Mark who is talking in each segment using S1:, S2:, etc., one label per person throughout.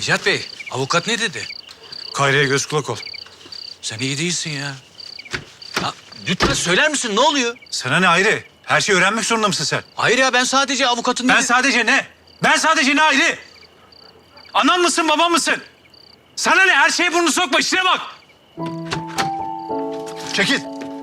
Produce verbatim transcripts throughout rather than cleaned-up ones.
S1: Necat Bey, avukat ne dedi?
S2: Kayra'ya göz kulak ol.
S1: Sen iyi değilsin ya. Ya lütfen söyler misin, ne oluyor?
S2: Sana ne Hayri? Her şeyi öğrenmek zorunda mısın sen?
S1: Hayır ya, ben sadece avukatın...
S2: Ben
S1: dedi-
S2: sadece ne? Ben sadece ne Hayri? Anan mısın, baban mısın? Sana ne? Her şeye burnunu sokma, işine bak. Çekil.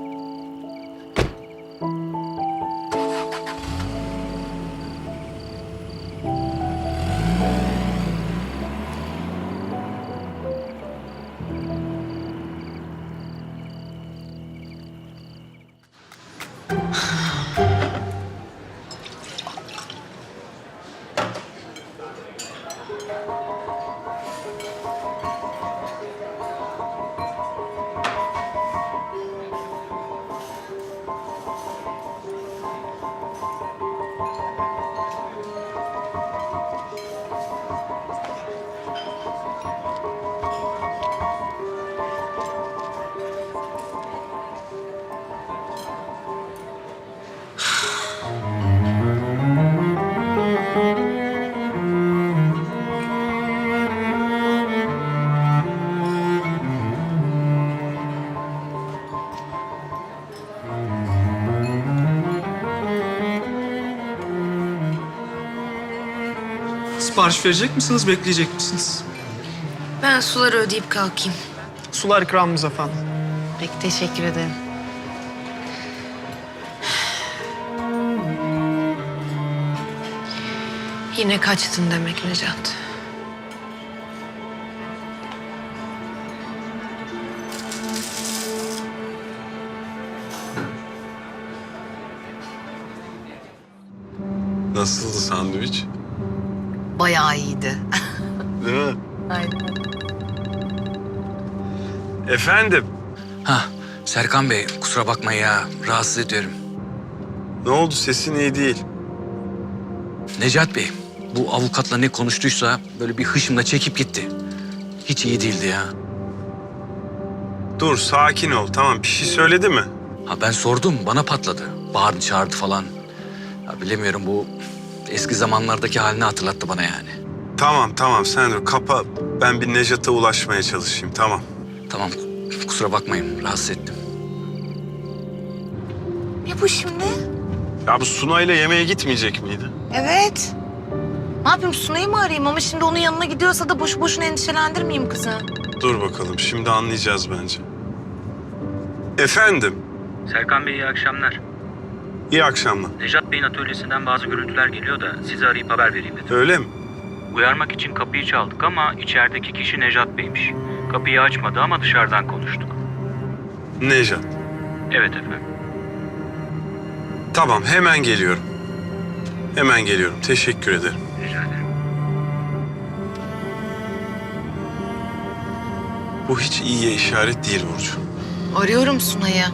S3: Sipariş verecek misiniz, bekleyecek misiniz?
S4: Ben suları ödeyip kalkayım.
S3: Sular ikramımız efendim.
S4: Peki, teşekkür ederim. Yine kaçtın demek Necat.
S5: Nasıldı sandviç?
S4: Bayağı iyiydi.
S5: Değil mi?
S4: Aynen.
S5: Efendim,
S1: Ha, Serkan Bey, kusura bakma ya, rahatsız ediyorum.
S5: ne oldu? Sesin iyi değil.
S1: Necat Bey, bu avukatla ne konuştuysa böyle bir hışımla çekip gitti. Hiç iyi değildi ya.
S5: Dur, sakin ol. Tamam, bir şey söyledi mi?
S1: Ha ben sordum, bana patladı. Bağırdı, çağırdı falan. Ya bilemiyorum, bu eski zamanlardaki halini hatırlattı bana yani.
S5: Tamam, tamam. Sen dur, kapa. Ben bir Nejat'a ulaşmaya çalışayım, tamam.
S1: Tamam, kusura bakmayın, rahatsız ettim.
S4: Ne bu şimdi?
S5: Ya bu Sunay'la yemeğe gitmeyecek miydi?
S4: Evet. Ne yapayım, Sunay'ı mı arayayım? Ama şimdi onun yanına gidiyorsa da boşu boşuna endişelendirmeyeyim kızı.
S5: Dur bakalım, şimdi anlayacağız bence. Efendim,
S6: Serkan Bey iyi akşamlar.
S5: iyi akşamlar.
S6: Necat Bey'in atölyesinden bazı görüntüler geliyor da sizi arayıp haber vereyim dedim.
S5: Öyle mi?
S6: Uyarmak için kapıyı çaldık ama içerideki kişi Necat Bey'miş. Kapıyı açmadı ama dışarıdan konuştuk.
S5: Nejat.
S6: Evet efendim.
S5: Tamam, hemen geliyorum. Hemen geliyorum. Teşekkür ederim.
S6: Rica ederim.
S5: Bu hiç iyiye işaret değil Burcu.
S4: Arıyorum Sunay'ı.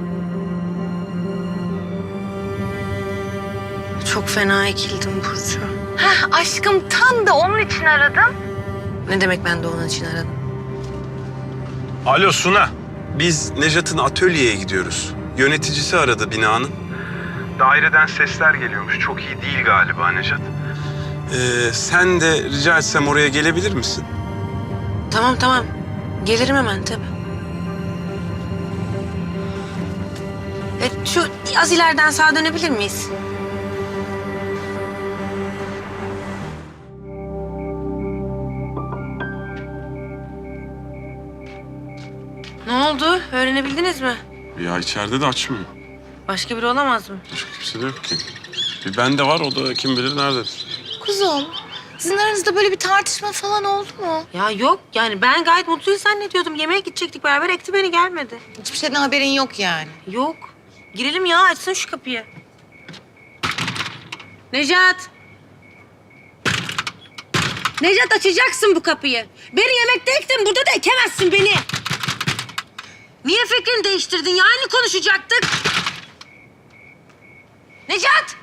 S4: Çok fena ekildim Burcu. Heh, aşkım, tam da onun için aradım. Ne demek ben de onun için aradım?
S5: Alo Suna. Biz Nejat'ın atölyeye gidiyoruz. Yöneticisi aradı binanın. Daireden sesler geliyormuş. Çok iyi değil galiba Nejat. Ee, sen de rica etsem oraya gelebilir misin?
S4: Tamam tamam. Gelirim hemen tabii. E, şu az ileriden sağa dönebilir miyiz? Ne oldu? Öğrenebildiniz mi?
S5: Ya içeride de açmıyor.
S4: Başka biri olamaz mı?
S5: Başka kimse de yok ki. Bir bende var, o da kim bilir nerededir.
S7: Kuzum, sizin aranızda böyle bir tartışma falan oldu mu?
S4: Ya yok, yani ben gayet mutluyuz zannediyordum. Yemeğe gidecektik beraber, ekti beni, gelmedi.
S7: Hiçbir şeyden haberin yok yani.
S4: Yok. Girelim ya, açsın şu kapıyı. Necat. Necat, açacaksın bu kapıyı. Beni yemekte ektin, burada da ekemezsin beni. Niye fikrini değiştirdin ya? Aynı konuşacaktık. Necat!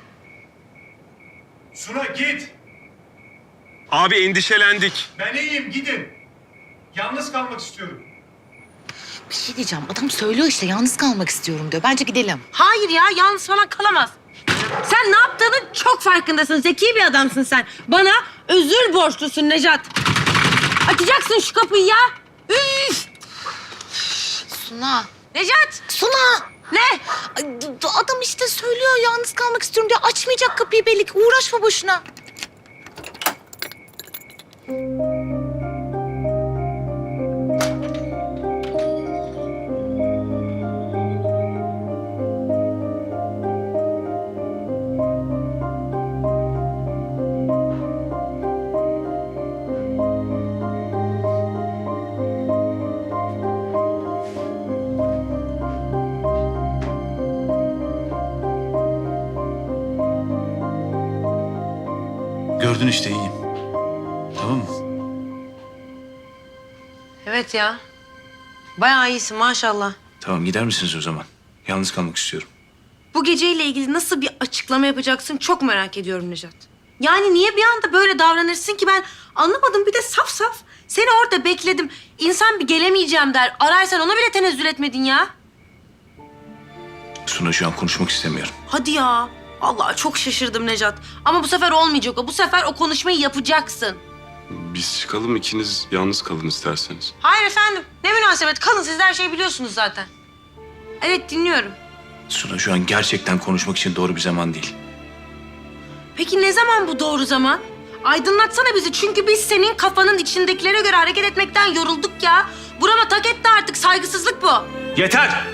S2: Suna git.
S5: Abi endişelendik.
S2: Ben iyiyim, gidin. Yalnız kalmak istiyorum.
S7: Bir şey diyeceğim. Adam söylüyor işte yalnız kalmak istiyorum diyor. Bence gidelim.
S4: Hayır ya, yalnız falan kalamaz. Sen ne yaptığının çok farkındasın. Zeki bir adamsın sen. Bana özür borçlusun Necat. Açacaksın şu kapıyı ya. Üf!
S7: Suna.
S4: Necat!
S7: Suna!
S4: Ne?
S7: Ay, d- d- Adam işte söylüyor yalnız kalmak istiyorum diye açmayacak kapıyı belli ki. Uğraşma boşuna.
S2: Gördün işte iyiyim. Tamam mı?
S4: Evet ya. Bayağı iyisin maşallah.
S2: Tamam gider misiniz o zaman? Yalnız kalmak istiyorum.
S4: Bu geceyle ilgili nasıl bir açıklama yapacaksın çok merak ediyorum Necat. Yani niye bir anda böyle davranırsın ki ben anlamadım. Bir de saf saf. Seni orada bekledim. İnsan bir gelemeyeceğim der. Ararsan ona bile tenezzül etmedin ya.
S2: Suna şu an konuşmak istemiyorum.
S4: Hadi ya. Vallahi çok şaşırdım Necat. Ama bu sefer olmayacak o. Bu sefer o konuşmayı yapacaksın.
S5: Biz çıkalım, ikiniz yalnız kalın isterseniz.
S4: Hayır efendim. Ne münasebet. Kalın siz de her şeyi biliyorsunuz zaten. Evet dinliyorum.
S2: Suna şu an gerçekten konuşmak için doğru bir zaman değil.
S4: Peki ne zaman bu doğru zaman? Aydınlatsana bizi çünkü biz senin kafanın içindekilere göre hareket etmekten yorulduk ya. Burama tak etti artık saygısızlık bu.
S2: Yeter!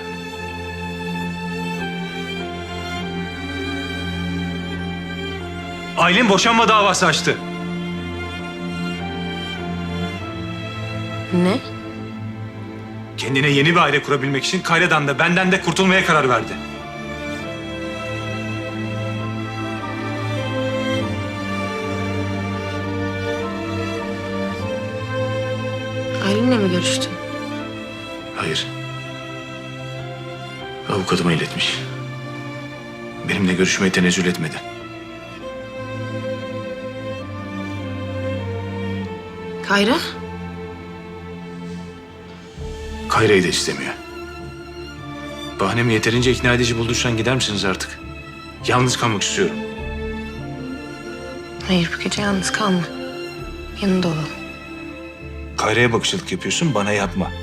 S2: Aylin boşanma davası açtı.
S4: Ne?
S2: Kendine yeni bir aile kurabilmek için Kayra'dan da benden de kurtulmaya karar verdi.
S4: Aylin'le mi görüştün?
S2: Hayır. Avukatıma iletmiş. Benimle görüşmeye tenezzül etmedi.
S4: Kayra?
S2: Kayra'yı da istemiyor. Bahanemi yeterince ikna edici bulduysan gider misiniz artık? Yalnız kalmak istiyorum.
S4: Hayır bu gece yalnız kalma. Yanında olalım.
S2: Kayra'ya bakışlık yapıyorsun, bana yapma.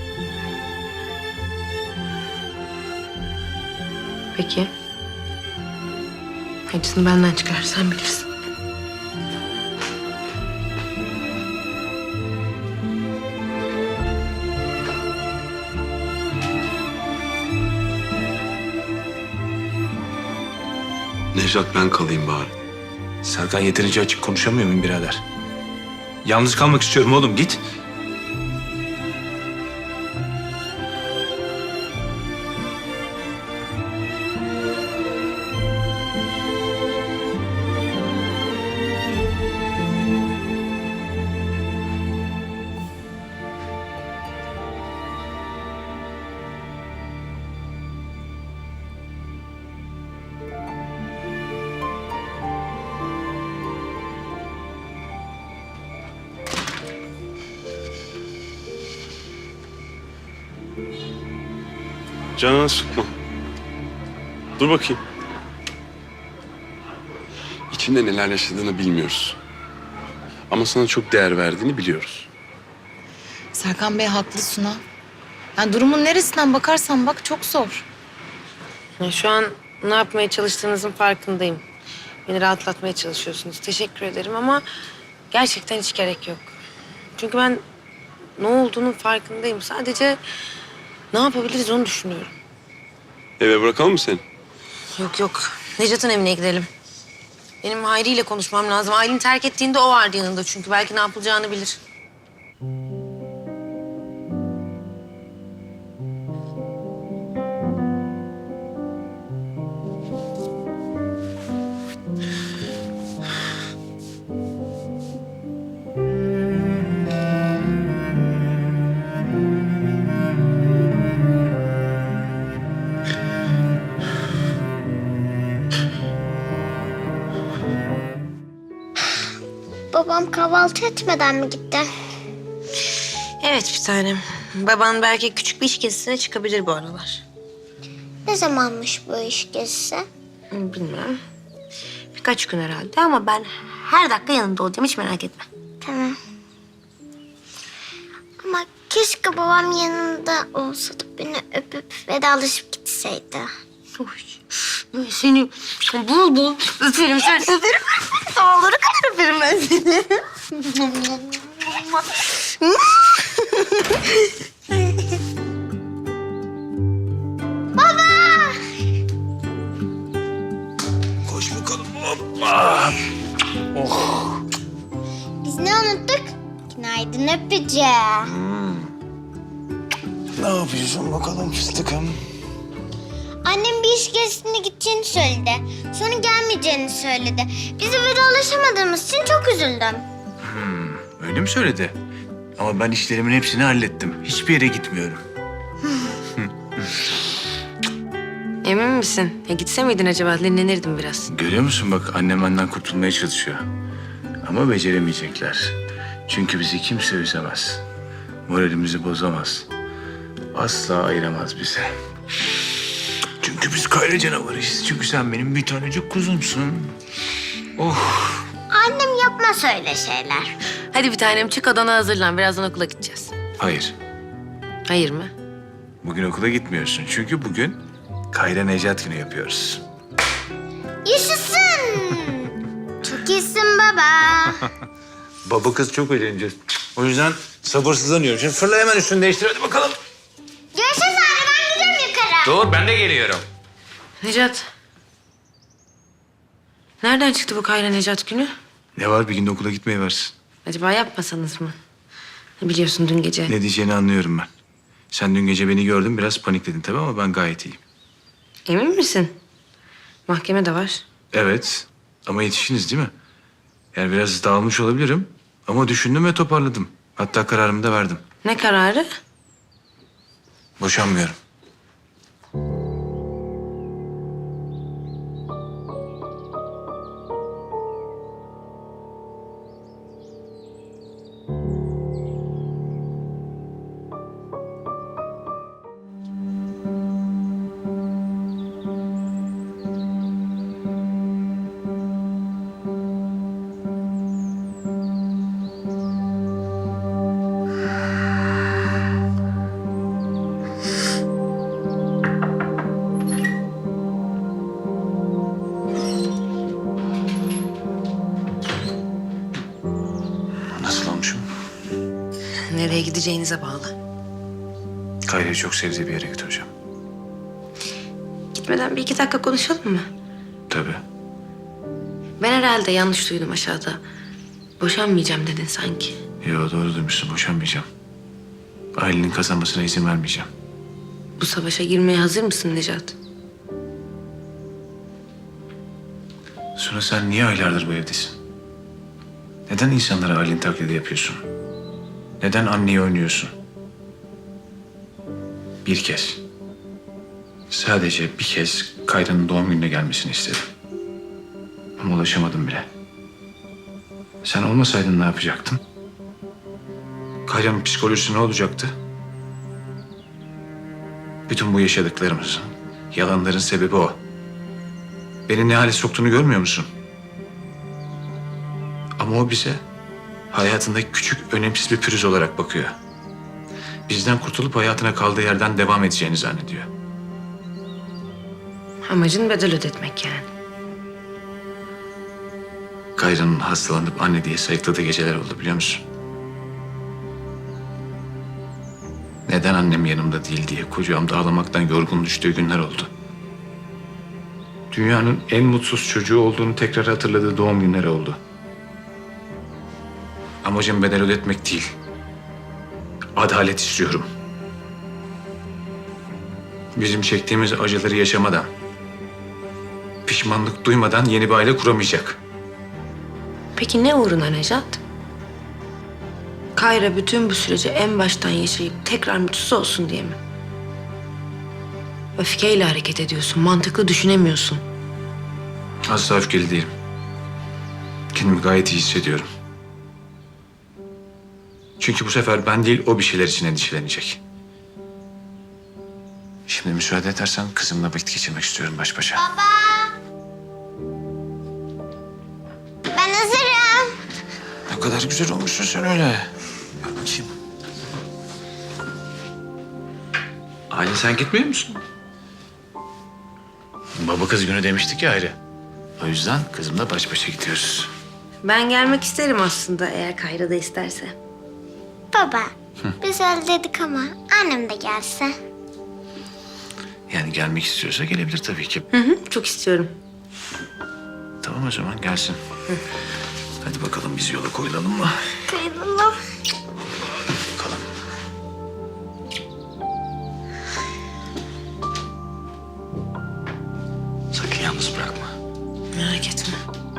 S4: Peki. Acısını benden çıkar sen bilirsin.
S5: Nejat, ben kalayım bari.
S2: Serkan yeterince açık konuşamıyor muyum birader? Yalnız kalmak istiyorum oğlum, git.
S5: Canını sıkma. Dur bakayım. İçinde neler yaşadığını bilmiyoruz. Ama sana çok değer verdiğini biliyoruz.
S7: Serkan Bey haklı Suna. Yani durumun neresinden bakarsan bak çok zor.
S4: Ya şu an ne yapmaya çalıştığınızın farkındayım. Beni rahatlatmaya çalışıyorsunuz. Teşekkür ederim ama gerçekten hiç gerek yok. Çünkü ben ne olduğunun farkındayım. Sadece ne yapabiliriz onu düşünüyorum.
S5: Eve bırakalım mı seni?
S4: Yok yok. Necat'ın evine gidelim. Benim Hayri ile konuşmam lazım. Aylin terk ettiğinde o vardı yanında çünkü. Belki ne yapılacağını bilir.
S8: Babam kahvaltı etmeden mi gitti?
S4: Evet bir tanem. Baban belki küçük bir iş gezisine çıkabilir bu aralar.
S8: Ne zamanmış bu iş gezisi?
S4: Bilmem. Birkaç gün herhalde ama ben her dakika yanında olacağım. Hiç merak etme.
S8: Tamam. Keşke babam yanında olsa da beni öpüp vedalaşıp gitseydi.
S4: Ben seni bul bul öperim, sen öperim. Dağları kadar öperim ben seni.
S2: Koş bakalım. Hoppa.
S8: Biz ne unuttuk? Günaydın öpeceğim.
S2: Ne yapıyorsun bakalım fıstıkım?
S8: Annem bir iş gezisine gideceğini söyledi. Sonra gelmeyeceğini söyledi. Bizi vedalaşamadığımız için çok üzüldüm.
S2: Öyle mi söyledi? Ama ben işlerimin hepsini hallettim. Hiçbir yere gitmiyorum.
S4: Emin misin? Ya gitse miydin acaba? Dinlenirdim biraz.
S2: Görüyor musun bak annem benden kurtulmaya çalışıyor. Ama beceremeyecekler. Çünkü bizi kimse üzemez. Moralimizi bozamaz. Asla ayıramaz bizi. Çünkü biz Kayra canavarıyız. Çünkü sen benim bir tanecik kuzumsun. Oh.
S8: Annem yapmaz öyle şeyler.
S4: Hadi bir tanem çık odana hazırlan. Birazdan okula gideceğiz.
S2: Hayır.
S4: Hayır mı?
S2: Bugün okula gitmiyorsun. Çünkü bugün Kayra Necat günü yapıyoruz.
S8: Yaşasın. Çok iyisin baba.
S2: Baba kız çok eğleneceğiz. O yüzden sabırsızlanıyorum. Şimdi fırla hemen üstünü değiştir hadi bakalım.
S8: Görüşürüz anne, ben gidiyorum yukarı.
S2: Dur ben de geliyorum.
S4: Necat. Nereden çıktı bu Kayra Necat günü?
S2: Ne var bir günde okula gitmeyi versin.
S4: Acaba yapmasanız mı? Biliyorsun dün gece.
S2: Ne diyeceğini anlıyorum ben. Sen dün gece beni gördün biraz panikledin tabii ama ben gayet iyiyim.
S4: Emin misin? Mahkeme de var.
S2: Evet ama yetişiniz değil mi? Yani biraz dağılmış olabilirim ama düşündüm ve toparladım. Hatta kararımı da verdim.
S4: Ne kararı?
S2: Boşanmıyorum. Nasıl olmuşum?
S4: Nereye gideceğinize bağlı.
S2: Kayra'yı çok sevdiği bir yere götüreceğim.
S4: Gitmeden bir iki dakika konuşalım mı?
S2: Tabii.
S4: Ben herhalde yanlış duydum aşağıda. Boşanmayacağım dedin sanki.
S2: Yo doğru duymuşsun boşanmayacağım. Ailenin kazanmasına izin vermeyeceğim.
S4: Bu savaşa girmeye hazır mısın Necat?
S2: Sonra sen niye aylardır bu evdesin? Neden insanlara ailen taklidi yapıyorsun? Neden anneyi oynuyorsun? Bir kez. Sadece bir kez Kayra'nın doğum gününe gelmesini istedim. Ama ulaşamadım bile. Sen olmasaydın ne yapacaktın? Kayra'nın psikolojisi ne olacaktı? Bütün bu yaşadıklarımızın, yalanların sebebi o. Beni ne hale soktuğunu görmüyor musun? Ama o bize hayatındaki küçük, önemsiz bir pürüz olarak bakıyor. Bizden kurtulup hayatına kaldığı yerden devam edeceğini zannediyor.
S4: Amacın bedel ödetmek yani.
S2: Kayra'nın hastalanıp anne diye sayıkladığı geceler oldu biliyor musun? Neden annem yanımda değil diye kucağımda ağlamaktan yorgun düştüğü günler oldu. Dünyanın en mutsuz çocuğu olduğunu tekrar hatırladığı doğum günleri oldu. Amacım bedel ödetmek değil. Adalet istiyorum. Bizim çektiğimiz acıları yaşamadan, pişmanlık duymadan yeni bir aile kuramayacak.
S4: Peki ne uğruna Necat? Kayra bütün bu süreci en baştan yaşayıp tekrar mutsuz olsun diye mi? Öfkeyle hareket ediyorsun, mantıklı düşünemiyorsun.
S2: Asla öfkeli değilim. Kendimi gayet iyi hissediyorum. Çünkü bu sefer ben değil o bir şeyler için endişelenecek. Şimdi müsaade edersen kızımla vakit geçirmek istiyorum baş başa.
S8: Baba. Ben hazırım.
S2: Ne kadar güzel olmuşsun sen öyle. Gel bakayım.
S1: Aylin sen gitmiyor musun?
S2: Baba kız günü demiştik ya ayrı. O yüzden kızımla baş başa gidiyoruz.
S4: Ben gelmek isterim aslında eğer Kayra da isterse.
S8: Baba, biz öyle dedik ama annem de gelse.
S2: Yani gelmek istiyorsa gelebilir tabii ki.
S4: Hı hı, çok istiyorum.
S2: Tamam o zaman gelsin. Hadi bakalım biz yola koyulalım mı?
S8: Kıyılalım.
S2: Bakalım.
S1: Sakın yalnız bırakma.
S4: Merak etme.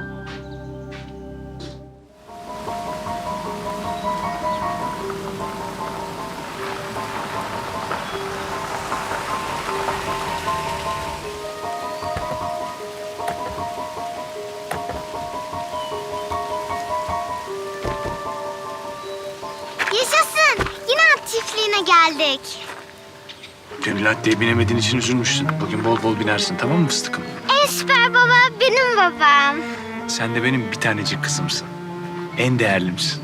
S8: Yaşasın. Yine at çiftliğine geldik.
S2: Gönül Atlı'ya binemediğin için üzülmüşsün. Bugün bol bol binersin tamam mı fıstıkım?
S8: En süper baba benim babam.
S2: Sen de benim bir tanecik kızımsın. En değerlimsin.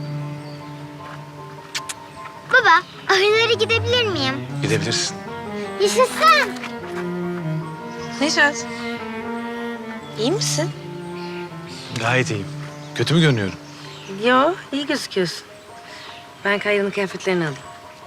S8: Baba, ahırlara gidebilir miyim?
S2: Gidebilirsin.
S8: Yaşasın.
S4: Nejat. İyi misin?
S2: Gayet iyiyim. Kötü mü görünüyorum?
S4: Yo, iyi gözüküyorsun. Ben Kayra'nın kıyafetlerini alayım.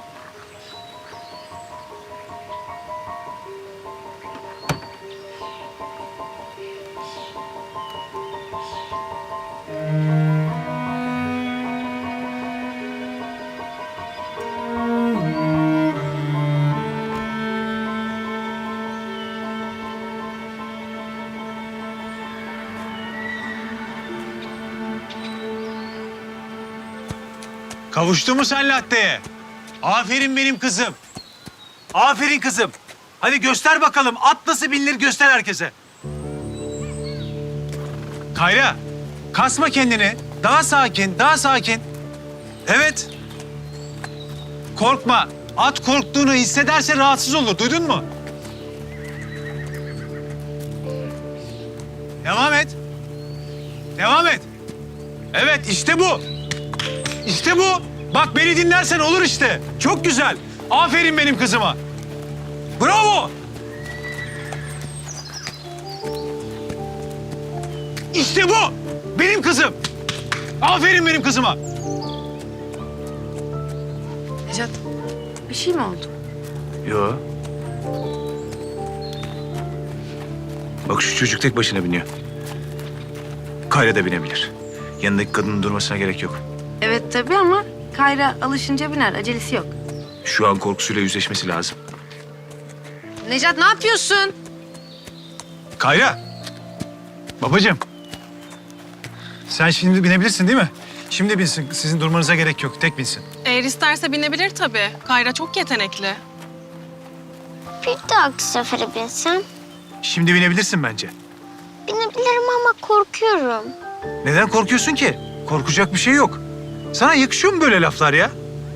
S9: Kavuştu mu sen latteye? Aferin benim kızım. Aferin kızım. Hadi göster bakalım. At nasıl binilir göster herkese. Kayra, kasma kendini. Daha sakin, daha sakin. Evet. Korkma. At korktuğunu hissederse rahatsız olur. Duydun mu? Devam et. Devam et. Evet, işte bu. İşte bu. Bak beni dinlersen olur işte. Çok güzel. Aferin benim kızıma. Bravo. İşte bu. Benim kızım. Aferin benim kızıma.
S4: Nejat, bir şey mi oldu?
S2: Yo. Bak şu çocuk tek başına biniyor. Kayra da binebilir. Yanındaki kadının durmasına gerek yok.
S4: Evet tabii ama Kayra alışınca biner. Acelesi yok.
S2: Şu an korkusuyla yüzleşmesi lazım.
S4: Nejat ne yapıyorsun?
S9: Kayra. Babacığım. Sen şimdi binebilirsin değil mi? Şimdi binsin. Sizin durmanıza gerek yok. Tek binsin.
S10: Eğer isterse binebilir tabii. Kayra çok yetenekli.
S8: Bir dahaki sefere binsem.
S9: Şimdi binebilirsin bence.
S8: Binebilirim ama korkuyorum.
S9: Neden korkuyorsun ki? Korkacak bir şey yok. Sana yakışıyor mu böyle laflar ya?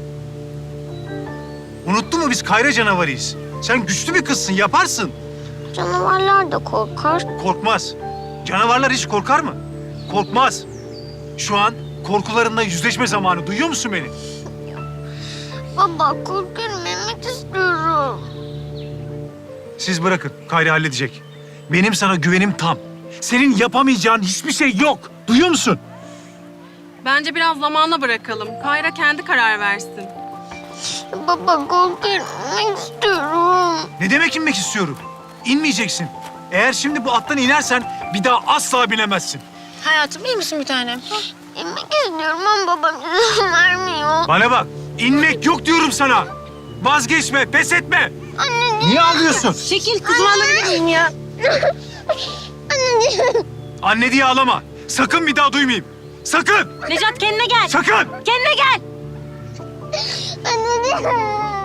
S9: Unuttun mu biz Kayra canavarıyız. Sen güçlü bir kızsın, yaparsın.
S8: Canavarlar da korkar.
S9: Korkmaz. Canavarlar hiç korkar mı? Korkmaz. Şu an korkularınla yüzleşme zamanı. Duyuyor musun beni?
S8: Baba korkuyorum, yemek istiyorum.
S9: Siz bırakın. Kayra halledecek. Benim sana güvenim tam. Senin yapamayacağın hiçbir şey yok. Duyuyor musun?
S10: Bence biraz zamana bırakalım. Kayra kendi karar versin.
S8: Baba korkuyorum, yemek istiyorum.
S9: Ne demek inmek istiyorum? İnmeyeceksin. Eğer şimdi bu attan inersen bir daha asla binemezsin.
S4: Hayatım iyi misin bir tanem?
S8: Yemek istiyorum ama babam izin vermiyor.
S9: Bana bak. İnmek yok diyorum sana. Vazgeçme, pes etme.
S8: Anne,
S9: Niye ağlıyorsun?
S4: Çekil kızım alabilir miyim ya?
S8: anneciğim.
S9: Anne diye ağlama. Sakın bir daha duymayayım. Sakın.
S10: Nejat kendine gel.
S9: Sakın.
S10: Kendine gel.
S8: Anneciğim.